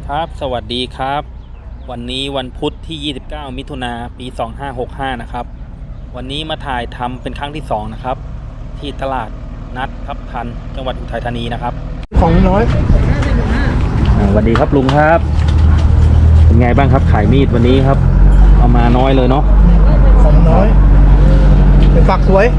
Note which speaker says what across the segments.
Speaker 1: ครับสวัสดีครับวันนี้วันพุธที่ 29 มิถุนายน ปี 2565 นะครับวันนี้มาถ่ายทำเป็นครั้งที่2นะครับที่ตลาดนัดทับทันจังหวัดอุทัยธานีนะครับ
Speaker 2: ของน้อย
Speaker 1: สวัสดีครับลุงครับเป็นไงบ้างครับขายมีดวันนี้ครับเอามาน้อยเลยเนาะ
Speaker 2: ของน้อยเป็นฝักสวย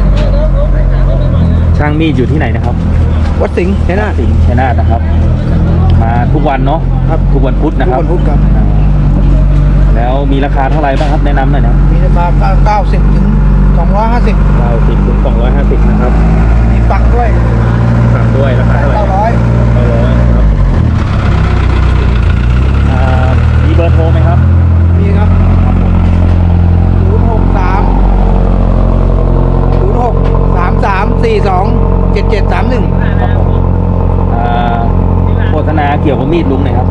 Speaker 1: ช่างมีดอยู่ที่ไหนนะครับ
Speaker 2: วัดสิงห์ชัยนาท
Speaker 1: นะครับมาทุกวันเนาะครับทุกวันพุธนะครับ
Speaker 2: ทุกวันพุธครับ
Speaker 1: แล้วมีราคาเท่าไหร่บ้างครับแนะนำหน่อยนะ
Speaker 2: มีราคา90 ถึง 250
Speaker 1: ถึง 250นะครับ
Speaker 2: มีฝักด้วย
Speaker 1: ราคาเท่าไหร่900ครับมีเบอร์โทรไหมครับ
Speaker 2: มีครับ0633427731
Speaker 1: ครับผมโฆษณาเกี่ยวกับมีดลุงหน่อยครับ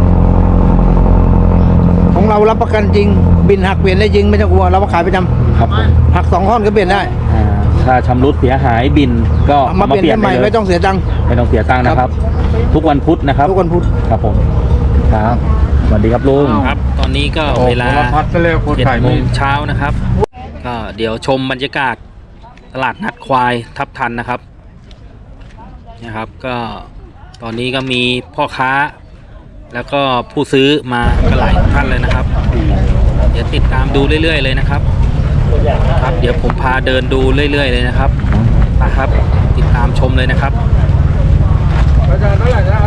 Speaker 2: ของเรารับประกันจริงบินหักเปลี่ยนได้จริงไม่ต้องกลัวเราขายประจำ
Speaker 1: ครับผม
Speaker 2: หัก2 ท่อนก็เปลี่ยนได้
Speaker 1: ถ้าชำรุดเสียหายบินก็
Speaker 2: มาเปลี่ยนใหม่ไม่ต้องเสียตังค์
Speaker 1: นะครับทุกวันพุธนะครับ
Speaker 2: ทุกวันพุธ
Speaker 1: ครับผมครับสวัสดีครับลุงครับตอนนี้ก็เวลา7 โมงเช้านะครับก็เดี๋ยวชมบรรยากาศตลาดนัดควายทับทันนะครับก็ตอนนี้ก็มีพ่อค้าแล้วก็ผู้ซื้อมากันหลายท่านเลยนะครับเดี๋ยวติดตามดูเรื่อยๆเลยนะครับเดี๋ยวผมพาเดินดูเรื่อยๆเลยนะครับติดตามชมเลยนะครับ
Speaker 2: ราคาเท่าไหร่นะ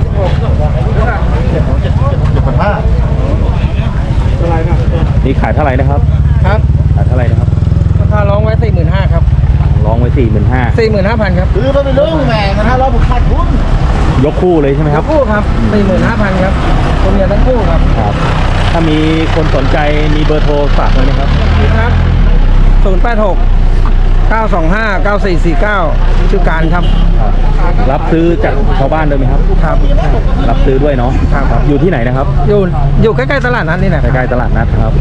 Speaker 2: 7,500อะไรนะ
Speaker 1: นี่ขายเท่าไหร่นะครับ
Speaker 2: ครับ
Speaker 1: ขายเท่าไหร่นะครับ
Speaker 2: ราคาร้องไว้ 45,000 ครับ
Speaker 1: ร้องไว้
Speaker 2: 45,000 ครับซื้อมาเป็นเรื่องแหม่นะฮะเราผมขาดทุน
Speaker 1: ยกคู่เลยใช่ไหมครับ
Speaker 2: คู่ครับ 45,000 ครับตัวเมียทั้งคู่ครับ
Speaker 1: ถ้ามีคนสนใจมีเบอร์โทรฝากไว้ไหมครับ
Speaker 2: มีครับ086 925 9449ชื่อการครับ
Speaker 1: รับซื้อจากชาวบ้านด้วยไหมครับ
Speaker 2: ครับ
Speaker 1: รับซื้อด้วยเนาะครับอยู่ที่ไหนนะครับ
Speaker 2: อยู่ใกล้ๆตลาดนัดนี่นะ
Speaker 1: ใกล้ๆตลาดนัดครับ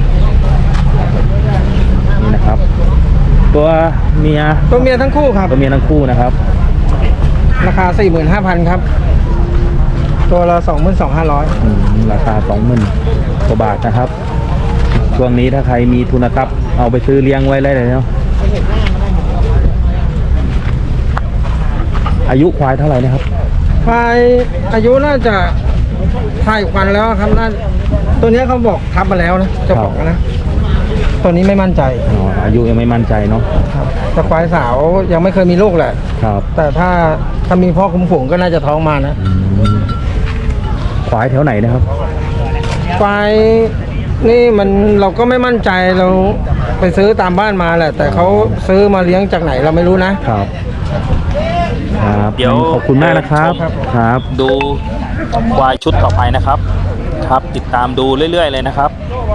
Speaker 1: นี่นะครับตัวเมีย
Speaker 2: ทั้งคู่ครับ
Speaker 1: ตัวเมียทั้งคู่นะครับ
Speaker 2: ราคา 45,000 ครับตัวละ 22,500
Speaker 1: ราคา 20,000 กว่าบาทนะครับช่วงนี้ถ้าใครมีทุนทรัพย์เอาไปซื้อเลี้ยงไว้ได้เลยเนาะอายุควายเท่าไหร่นะครับ
Speaker 2: ควายอายุน่าจะถ่ายควันแล้วครับตัวนี้เขาบอกทับมาแล้วนะจะบอกนะตัวนี้ไม่มั่นใจ
Speaker 1: อายุยังไม่มั่นใจเนาะ
Speaker 2: แต่ควายสาวยังไม่เคยมีลูกแหละ
Speaker 1: ครับ
Speaker 2: แต่ถ้ามีพ่อคุ้มฝูงก็น่าจะท้องมานะ
Speaker 1: ควายแถวไหนนะครับ
Speaker 2: ควายนี่เราก็ไม่มั่นใจเราไปซื้อตามบ้านมาแหละแต่เขาซื้อมาเลี้ยงจากไหนเราไม่รู้นะครับ
Speaker 1: เดี๋ยวขอบคุณมากนะครับครับดูควายชุดต่อไปนะครับติดตามดูเรื่อยๆเลยนะครับ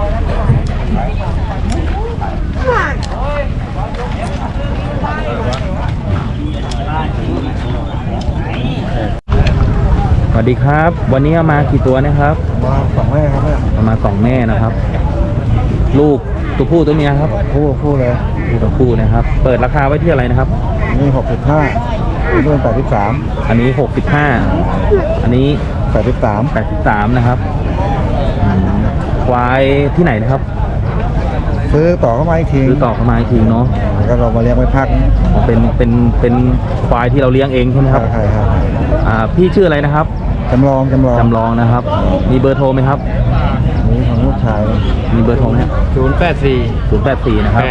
Speaker 1: สวัสดีครับวันนี้มากี่ตัวนะครับ
Speaker 2: มา2 แม่ครับ
Speaker 1: มา2 แม่นะครับลูกตัวผู้ตัวเมียครับ
Speaker 2: คู่เลย
Speaker 1: ตัวผู้นะครับเปิดราคาไว้ที่อะไรนะครับ
Speaker 2: นี่65นี่เป็น83
Speaker 1: อันนี้65อันนี้83นะครับควายที่ไหนนะครับ
Speaker 2: ซื้อต่อเข้ามาอีกที
Speaker 1: เนาะ
Speaker 2: ก็เรามาเลี้ยงไว้พัก
Speaker 1: เป็นควายที่เราเลี้ยงเองใช่ไหมครับ
Speaker 2: ใช่ครับ
Speaker 1: พี่ชื่ออะไรนะครับ
Speaker 2: จำลอง
Speaker 1: นะครับมีเบอร์โทรไหมครับ
Speaker 2: นี่ของลูกชาย
Speaker 1: มีเบอร์โทรไหม084นะครับ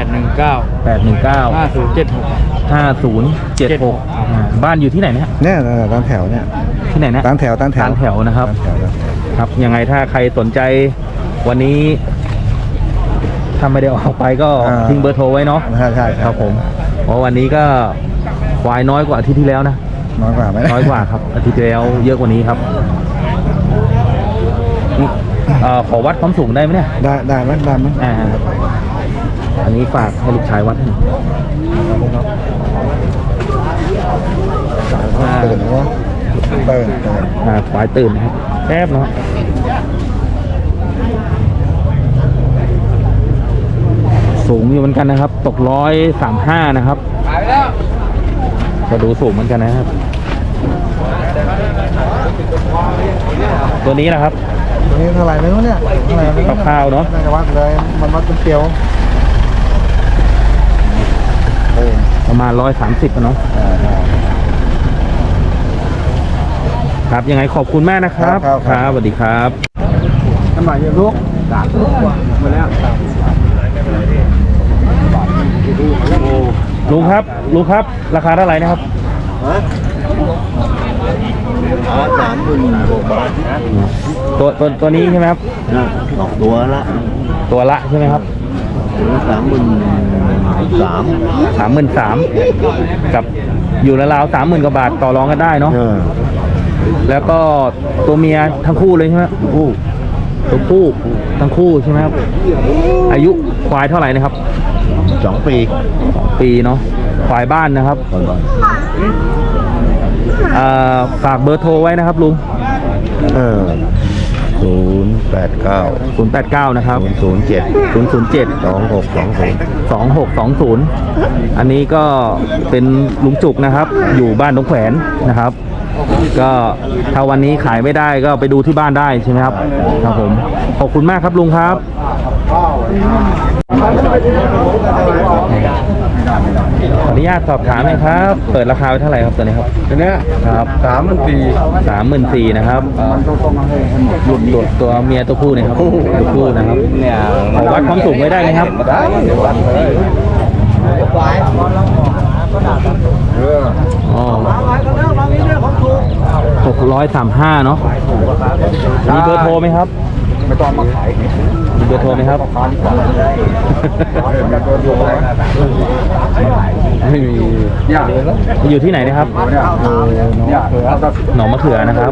Speaker 1: 8195076บ้านอยู่ที่ไหน
Speaker 2: เนี่ยตามแถวเนี่ย
Speaker 1: ที่ไหนนะ
Speaker 2: ตามแถว
Speaker 1: นะครับครับยังไงถ้าใครสนใจวันนี้ถ้าไม่ได้ออกไปก็ทิ้งเบอร์โทรไว้เนาะ
Speaker 2: ใช่
Speaker 1: ครับผมเพราะวันนี้ก็ควายน้อยกว่าอาทิตย์ที่แล้วนะ
Speaker 2: น้อยกว่า
Speaker 1: ครับอาทิตย์ที่แล้วเยอะกว่านี้ครับขอวัดความสูงได้ไหมเนี่ย
Speaker 2: ได้ไหม
Speaker 1: อันนี้ฝากให้ลูกชายวัดให้
Speaker 2: ตื่น
Speaker 1: ควายตื่นนะครับแป๊บเนาะสูงอยู่เหมือนกันนะครับตก135นะครับก็ดูสูงเหมือนกันนะครับตัวนี้นะครับ
Speaker 2: ตัวนี้เท่าไหร่ไม่รู้เนี่ยเท่าไหร่ไม่รู้
Speaker 1: คร่าวๆเนาะ
Speaker 2: น่าจะวัดเลยมันวัดเป็นเกลียว
Speaker 1: ประมาณ130เนาะครับยังไงขอบคุณมากนะครับครับสวัสดีครับ
Speaker 2: น้ำหนักเยอะลูก3 ลูกกว่าหมดแล้ว
Speaker 1: ลุงครับราคาเท่าไหร่นะครับ
Speaker 3: 30,000 บาท
Speaker 1: ตัวนี้ใช่ไหมครับ
Speaker 3: นะตัวละ
Speaker 1: ตัวละใช่ไหมครับ
Speaker 3: 33,000
Speaker 1: 33,000กับอยู่ราวๆ30,000กว่าบาทต่อรองกันได้เนาะแล้วก็ตัวเมียทั้งคู่เลยใช่ไหมตัวผู้ทั้งคู่ใช่ไหมครับอายุควายเท่าไหร่นะครับ
Speaker 3: 2 ปี
Speaker 1: ปีเนาะควายบ้านนะครับฝากเบอร์โทรไว้นะครับลุง
Speaker 3: 089
Speaker 1: นะครับ
Speaker 3: 007
Speaker 1: 007
Speaker 3: 2620
Speaker 1: อันนี้ก็เป็นลุงจุกนะครับ อยู่บ้านตรงแขวนนะครับ ก็ถ้าวันนี้ขายไม่ได้ก็ไปดูที่บ้านได้ใช่ไหมครับครับผมขอบคุณมากครับลุงครับขออนุญาตสอบถามหน่อยครับ เปิดราคาไว้เท่าไหร่ครับตัวนี้ครับ
Speaker 2: ตัวเนี้ย
Speaker 1: ครับ 34,000นะครับตัวเมียตัวผู้เนี่ยครับตัวผู้นะครับขอวัดความสูงไว้ได้ไหมครับ
Speaker 2: ได้เดี๋ยววัดเลย
Speaker 1: อ๋อ635เนาะมีเบอร์โทรไหมครับ
Speaker 2: ไม่ต้องมาขาย
Speaker 1: มีเบอร์โทรไหมครับ
Speaker 2: ไม่มียากเลยแล้ว
Speaker 1: อยู่ที่ไหนนะครับ
Speaker 2: ยากเลยครับ
Speaker 1: หนองมะเขือนะครับ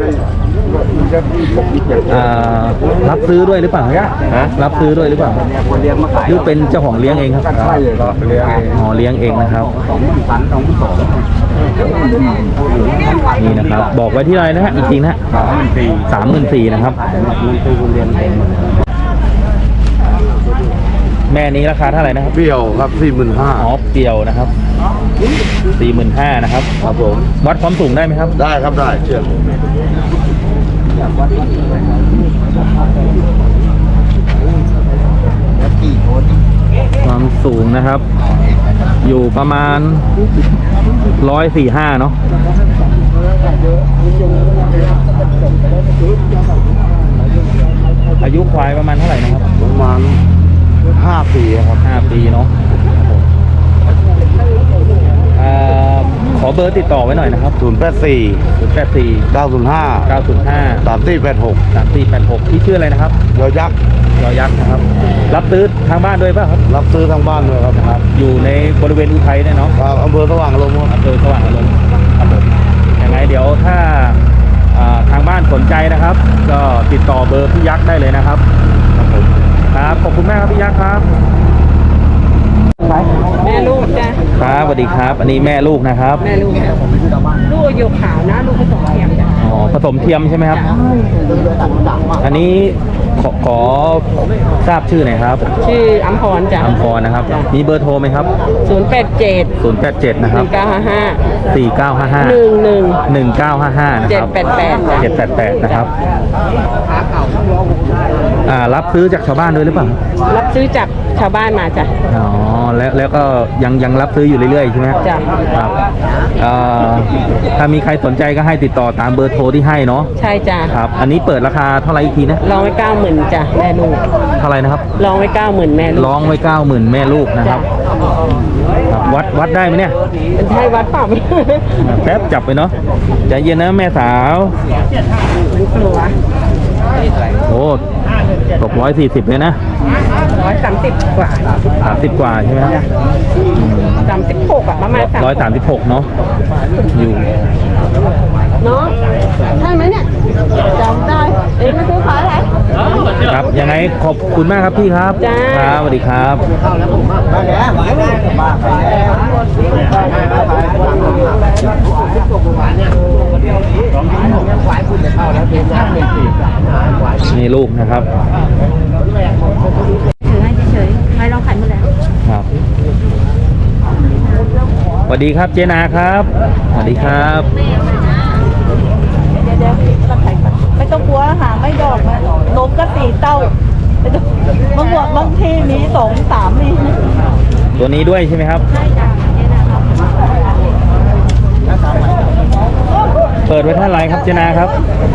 Speaker 1: รับซื้อด้วยหรือเปล่ารับซื้อด้วยหรือเปล่าหรือเป็นเจ้าของเลี้ยงเองครับ
Speaker 2: ใช่เลยครับเลี้ยงเอง
Speaker 1: อ๋อเลี้ยงเองนะครับนี่นะครับ บอกไว้ที่ไรนะฮะอีกทีนะฮะ34,000นะครับแม่นี้ราคาเท่าไหร่นะครับ
Speaker 3: เปรี้ยวครับ
Speaker 1: อ๋อเปรียวนะครับ45,000นะครับ
Speaker 3: ครับผม
Speaker 1: วัดความสูงได้ไหมครับ
Speaker 3: ได้ครับได้เชื่อ
Speaker 1: ความสูงนะครับ อยู่ประมาณ145เนาะอายุควายประมาณเท่าไหร่นะครับ
Speaker 3: ประมาณ5 ปีครับ
Speaker 1: 5 ปีเนาะขอเบอร์ติดต่อไว้หน่อยนะครับ
Speaker 3: 084
Speaker 1: 084
Speaker 3: 905
Speaker 1: 905
Speaker 3: 3486
Speaker 1: 3486ที่ชื่ออะไรนะครับ
Speaker 3: ยอยักษ์
Speaker 1: ยอยักษ์นะครับ รับซื้อทางบ้านด้วยป่ะครับ
Speaker 3: รับซื้อทางบ้านด้วยครับ
Speaker 1: ครับ อยู่ในบริเวณอุทัยเนี่ยเนาะ
Speaker 3: ครับอำเภอสว่างอารมณ์ครับ
Speaker 1: อำเภอสว่างอารมณ์ครับผมยังไงเดี๋ยวถ้าทางบ้านสนใจนะครับ ก็ติดต่อเบอร์พี่ยักษ์ได้เลยนะครับครับผมครับขอบคุณมากครับพี่ยักษ์ครับ
Speaker 4: แม่ลูกจ้ะ
Speaker 1: ครับสวัสดีครับ อันนี้แม่ลูกนะครับ
Speaker 4: แม่ลูกจ้ะลูกอยู่ขาวนะ ลูกผสมเทียมจ้ะ
Speaker 1: อ๋อผสมเทียมใช่ไหมครับ อันนี้ขอทราบชื่อหน่อยครับ
Speaker 4: ชื่ออัมพรจ้ะ
Speaker 1: อัมพรนะครับ มีเบอร์โทรไหมครับ
Speaker 4: 087
Speaker 1: 087นะครับ
Speaker 4: 1955
Speaker 1: 4955
Speaker 4: 11
Speaker 1: 1955นะครับ
Speaker 4: 788จ้ะ
Speaker 1: 788นะครับรับซื้อจากชาวบ้านด้วยหรือเปล่า
Speaker 4: รับซื้อจากชาวบ้านมาจ้ะ
Speaker 1: อ๋อแล้วก็ยังรับซื้ออยู่เรื่อยๆใช่ไหม
Speaker 4: จ้ะ
Speaker 1: ครับถ้ามีใครสนใจก็ให้ติดต่อตามเบอร์โทรที่ให้เนาะ
Speaker 4: ใช่จ้ะ
Speaker 1: ครับอันนี้เปิดราคาเท่าไหร่อีกทีนะ
Speaker 4: ลองไว้90,000จ้ะแม่ลูก
Speaker 1: เท่าไหร่นะครับ
Speaker 4: ลองไว้90,000แม่ลูก
Speaker 1: ร้องไว้90,000แม่ลูกนะครับ ครับวัดได้ไหมเนี่ย
Speaker 4: เป็นไทยวัดเปล่า
Speaker 1: แป๊บจับไปเนาะใจเย็นนะแม่สาว
Speaker 4: มันกลัว
Speaker 1: โอ้ตก140เลยนะ
Speaker 4: 130 กว่า
Speaker 1: 30กว่าใช่ไหมครับ
Speaker 4: 36อ่ะประมาณ
Speaker 1: 136เนาะอยู่
Speaker 4: เนาะใช่ไหมเนี่ยจำได้เองมาซื้อขายอะไร
Speaker 1: ครับยังไงขอบคุณมากครับพี่ครับ
Speaker 4: จ้า
Speaker 1: ครับสวัสดีครับ นี่ลูกนะครับ
Speaker 5: ถือให้เฉยๆไม่เราขายหมดแล้ว
Speaker 1: ครับสวัสดีครับเจนาครับสวัสดีครับ
Speaker 5: เดี๋ยวเราขายก่อนไม่ต้องกลัวค่ะ ไม่ดอกนะนมก็
Speaker 4: 2 3นี่
Speaker 1: ตัวนี้ด้วยใช่ไหมครับ
Speaker 5: ใช่จ้ะเนี่ยนะครับ
Speaker 1: เปิดไว้เท่าไหร่ครับเจนาครับ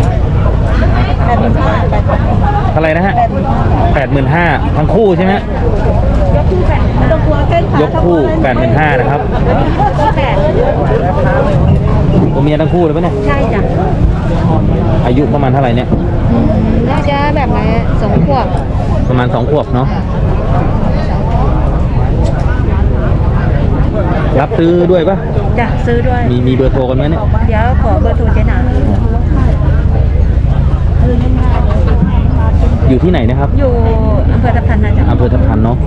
Speaker 1: เท่าไหร่นะฮะ85,000ทั้งคู่ใช่ไหม
Speaker 5: ยกคู่แปด
Speaker 4: ไม่ต้องกลัวเส้นขาย
Speaker 1: กคู่85,000นะครับ
Speaker 5: คู่แปด
Speaker 1: ตัวเมียทั้งคู่เลยปะเนี่ย
Speaker 5: ใช่จ้ะ
Speaker 1: อายุประมาณเท่าไหร่เนี่ย
Speaker 5: น่าจะแบบไหน2 ขวบ
Speaker 1: ประมาณ2 ขวบเนาะรับซื้อด้วยปะ
Speaker 5: จ้ะซื้อด้วย
Speaker 1: มีเบอร์โทรกันไหมเนี่ย
Speaker 5: เดี๋ยวขอเบอร์โทรเจ๊หนา
Speaker 1: อยู่ที่ไหนนะครับ
Speaker 5: อยู่อำเภอทับทันนะจ๊ะ
Speaker 1: อำเภอทับทันเนาะ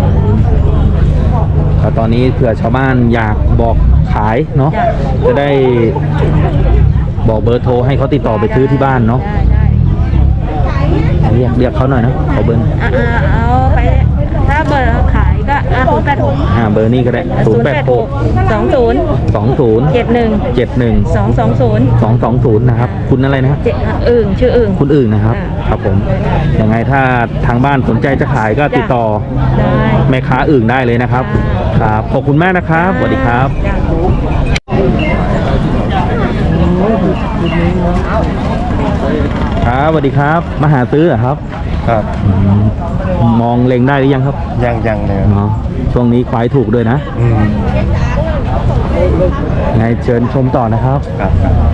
Speaker 1: ตอนนี้เผื่อชาวบ้านอยากบอกขายเนาะจะได้บอกเบอร์โทรให้เขาติดต่อไปซื้อที่บ้านเนาะ
Speaker 5: ได้
Speaker 1: เรียกเขาหน่อยนะขอเบอร์
Speaker 5: เอาไปถ้าเบอร์ขายก็086
Speaker 1: เบอร์นี้ก็ได้
Speaker 5: 20 71 220
Speaker 1: นะครับคุณอะไรนะครับ
Speaker 5: อึ่งชื่ออึ่ง
Speaker 1: คุณอื่นนะครับ ครับผมยังไงถ้าทางบ้านสนใจจะขายก็ติดต่อ
Speaker 5: ได้
Speaker 1: แม่ค้าอื่นได้เลยนะครับครับขอบคุณมากนะครับสวัสดีครับ
Speaker 5: จ้ะ
Speaker 1: ครับสวัสดีครับมาหาซื้อเหรอครับ
Speaker 3: ครับ
Speaker 1: มองเล็งได้หรือยังครับ
Speaker 3: ยังเลย
Speaker 1: เนาะช่วงนี้ควายถูกด้วยนะไงเชิญชมต่อนะครับ
Speaker 3: ครับ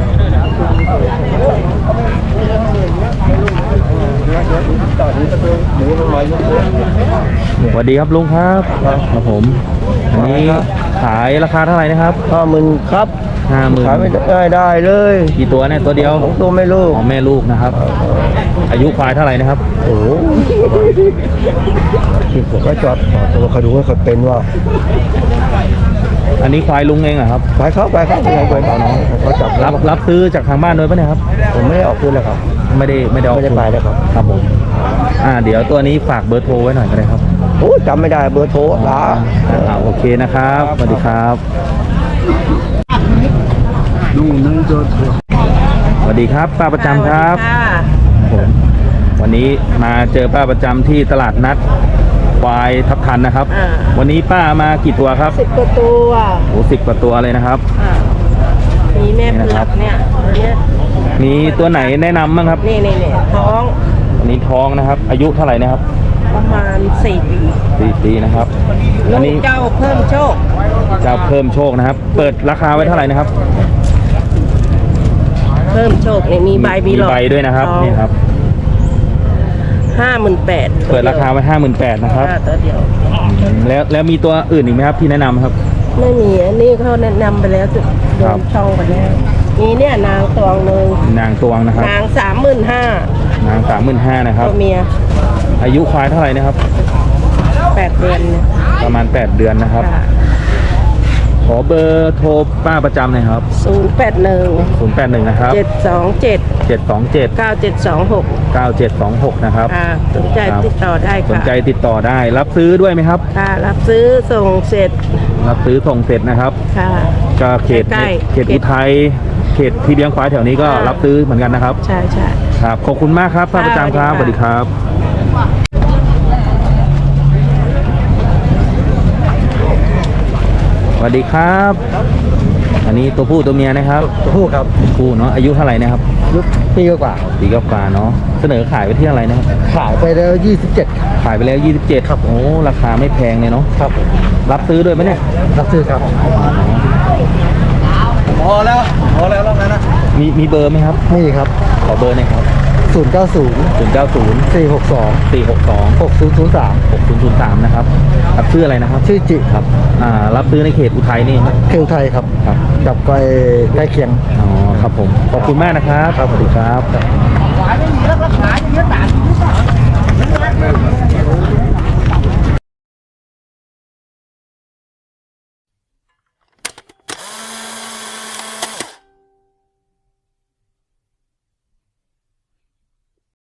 Speaker 1: สวัสดีครับลุงครับครับผมอันนี้ขายราคาเท่าไหร่นะครับ
Speaker 3: 50,000ครับ
Speaker 1: 50,000
Speaker 3: ขายไม่ได้เลย
Speaker 1: กี่ตัวเนี่ยตัวเดียว
Speaker 3: ของตัวไม่ลูก
Speaker 1: ของแม่ลูกนะครับ อายุควายเท่าไหร่นะครับ
Speaker 3: โอ้โหที่ผมก็จอดต่อตัวเขาดูว่าเขาเป็นว่า
Speaker 1: อันนี้ควายลุงเองเหรอครับ
Speaker 3: ไปเขาไปต่อน้องเขาจับ
Speaker 1: รับซื้อจากทางบ้านด้วยปะเนี่ยครับ
Speaker 3: ผมไม่ได้ออกคืนเลยครับ
Speaker 1: ไม่ได้ออก
Speaker 3: ไม่ได้ไปเลยครับ
Speaker 1: ครับผมเดี๋ยวตัวนี้ฝากเบอร์โทรไว้หน่อยก็ได้ครับ
Speaker 3: โอ้จำไม่ได้เบอร์โทรลา
Speaker 1: โอเคนะครับสวัสดีครับสวัสดีครับป้าประจำครับผมวันนี้มาเจอป้าประจำที่ตลาดนัดควายทับทันนะครับ วันนี้ป้ามากี่ตัวครับ
Speaker 4: 10 กว่าตัว
Speaker 1: โอ้10 กว่าตัวเลยนะครับ
Speaker 4: มีแม่เผือกเนี่ยตัวเนี้ย
Speaker 1: มีตัวไหนแนะนำบ้างครับ
Speaker 4: นี่ท้อง
Speaker 1: อันนี้ท้องนะครับ อายุเท่าไหร่นะครับ
Speaker 4: ประมาณ4 ปี
Speaker 1: 4 ปีนะครับ
Speaker 4: ลู
Speaker 1: อัน
Speaker 4: ก
Speaker 1: นี้
Speaker 4: เจ้าเพิ่มโชค
Speaker 1: จะเพิ่มโชคนะครับ เปิดราคาไว้เท่าไหร่นะครับ
Speaker 4: เพิ่มโชคเนี่ยมีใบมีหลอด
Speaker 1: ใบด้วยนะครับนี่ครับ
Speaker 4: 58,000
Speaker 1: เปิดราคาไว้58,000นะครับ
Speaker 4: ตัวเดียว
Speaker 1: แล้วมีตัวอื่นอีกไหมครับที่แนะนำครับ
Speaker 4: ไม่มีอันนี้เขาแนะนำไปแล้วจุดโด
Speaker 1: ครับ
Speaker 4: นช่องไปแล้วมีเนี่ยนางตวงหนึ่ง
Speaker 1: นางตวงนะครับ
Speaker 4: นาง35,000
Speaker 1: นาง35,000นะครับ
Speaker 4: ตัวเมีย
Speaker 1: อายุควายเท่าไหร่นะครับ
Speaker 4: 8 เดือนเนี่ย
Speaker 1: ประมาณ8 เดือนนะครับ
Speaker 4: ค่ะ
Speaker 1: ขอเบอร์โทรป้าประจำหน่อยครับ
Speaker 4: 081
Speaker 1: 081นะครับ
Speaker 4: 727
Speaker 1: 727
Speaker 4: 9726
Speaker 1: 9726นะครับ
Speaker 4: สนใจติดต่อได้
Speaker 1: สน
Speaker 4: ค่ะ
Speaker 1: ใจติดต่อได้ รับซื้อด้วยไหมครับ
Speaker 4: ค่ะรับซื้อส่งเสร็จ
Speaker 1: รับซื้อส่งเสร็จนะครับ
Speaker 4: ค่ะ
Speaker 1: ก็เขต
Speaker 4: ใกล้ๆ
Speaker 1: เขตอุทัยเขตที่เลี้ยงควายแถวนี้ก็
Speaker 4: ค่ะ
Speaker 1: รับซื้อเหมือนกันนะครับ
Speaker 4: ใช่
Speaker 1: ครับขอบคุณมากครับป้าประจำครับสวัสดีครับสวัสดีครับ อันนี้ตัวผู้ตัวเมียนะครับ
Speaker 3: ผู้ครับ
Speaker 1: คู่เนาะอายุเท่าไหร่นะครับ
Speaker 3: ยุคปีกว่า
Speaker 1: ปีกว่าเนาะเสนอขายไปที่อะไรนะครับ
Speaker 3: ขายไปแล้ว27
Speaker 1: ขายไปแล้ว27ครับโอ้ราคาไม่แพงเลยเนาะ
Speaker 3: ครับ
Speaker 1: รับซื้อด้วยไหมเนี่ย
Speaker 3: รับซื้อครับพอแล้วรอบนั้นนะ
Speaker 1: มีเบอร์ไหมครับ
Speaker 3: นี่ครับ
Speaker 1: ขอเบอร์หน่อยครับ
Speaker 3: 090
Speaker 1: 090
Speaker 3: 462
Speaker 1: 462
Speaker 3: 6003
Speaker 1: 6003นะครับรับซื้ออะไรนะครับ
Speaker 3: ชื่อจิครับ
Speaker 1: รับซื้อในเขตอุทัยนี่ครับ
Speaker 3: เทลไทยครับ
Speaker 1: ครับ
Speaker 3: กับใกล้เคียง
Speaker 1: อ๋อครับผมขอบคุณมากนะครับสวัสดีครับ